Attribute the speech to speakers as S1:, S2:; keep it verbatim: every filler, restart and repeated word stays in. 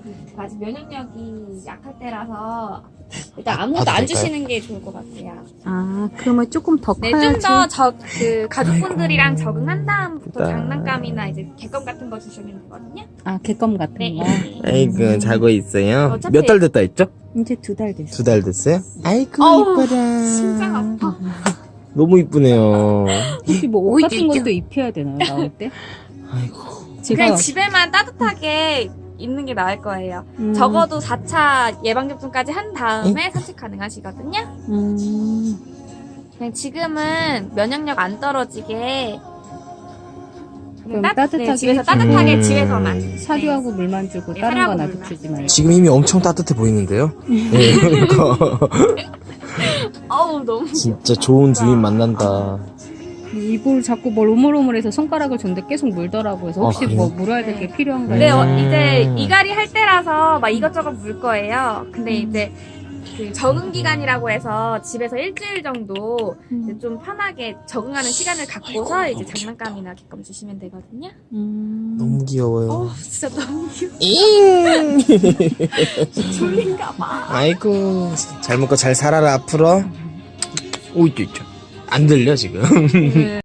S1: 아직 면역력이 약할 때라서 일단
S2: 아,
S1: 아무것도
S2: 봐도
S1: 안
S2: 될까요?
S1: 주시는 게 좋을 것 같아요.
S3: 아, 그러면 조금 더
S1: 네,
S3: 커야지.
S1: 좀 더 저 그 가족분들이랑
S2: 아이고.
S1: 적응한 다음부터
S2: 나-
S1: 장난감이나 이제 객검 같은 거 주시면 되거든요.
S3: 아, 개껌 같은
S1: 네.
S3: 거.
S2: 아이고 자고 있어요.
S1: 어차피-
S2: 몇 달 됐다 했죠?
S3: 이제 두 달 됐어.
S2: 두 달 됐어요? 아이고
S1: 어우,
S2: 이뻐라.
S1: 심장 아파.
S2: 너무 이쁘네요.
S3: 혹시 뭐 옷
S1: 오이
S3: 같은
S1: 찔끔.
S3: 것도 입혀야 되나요, 나올 때?
S2: 아이고.
S3: 제가
S1: 그냥 집에만 따뜻하게 있는 게 나을 거예요.
S3: 음,
S1: 적어도 사 차 예방접종까지 한 다음에 산책 가능하시거든요.
S3: 음,
S1: 그냥 지금은 면역력 안 떨어지게
S3: 그럼
S1: 따,
S3: 따뜻하게
S1: 네, 집에서
S3: 해주고.
S1: 따뜻하게
S2: 음.
S1: 집에서만
S3: 사료하고 물만 주고
S1: 네,
S3: 다른
S1: 사료하고
S3: 건 아직
S1: 물만.
S3: 주지 말고.
S2: 지금 이미 엄청 따뜻해 보이는데요? 네, 그러니까
S1: 어우 너무
S2: 진짜 좋은 주인 만난다.
S3: 이걸 자꾸 뭘 오물오물해서 손가락을 줬는데 계속 물더라고. 그래서
S2: 아,
S3: 혹시
S2: 그래요?
S3: 뭐 물어야 될 게
S1: 네.
S3: 필요한가요?
S1: 근데 어,
S2: 음.
S1: 이제 이갈이 할 때라서 막 이것저것 물 거예요. 근데
S3: 음.
S1: 이제 그 적응 기간이라고 해서 집에서 일주일 정도 이제
S3: 음.
S1: 좀 편하게 적응하는 시간을 갖고서 이제 장난감이나 객검 주시면 되거든요.
S3: 음.
S2: 너무 귀여워요.
S1: 어 진짜 너무 귀여워.
S2: 잉!
S1: 졸린가 봐.
S2: 아이고 잘 먹고 잘 살아라 앞으로. 오이 안 들려 지금.
S1: 네.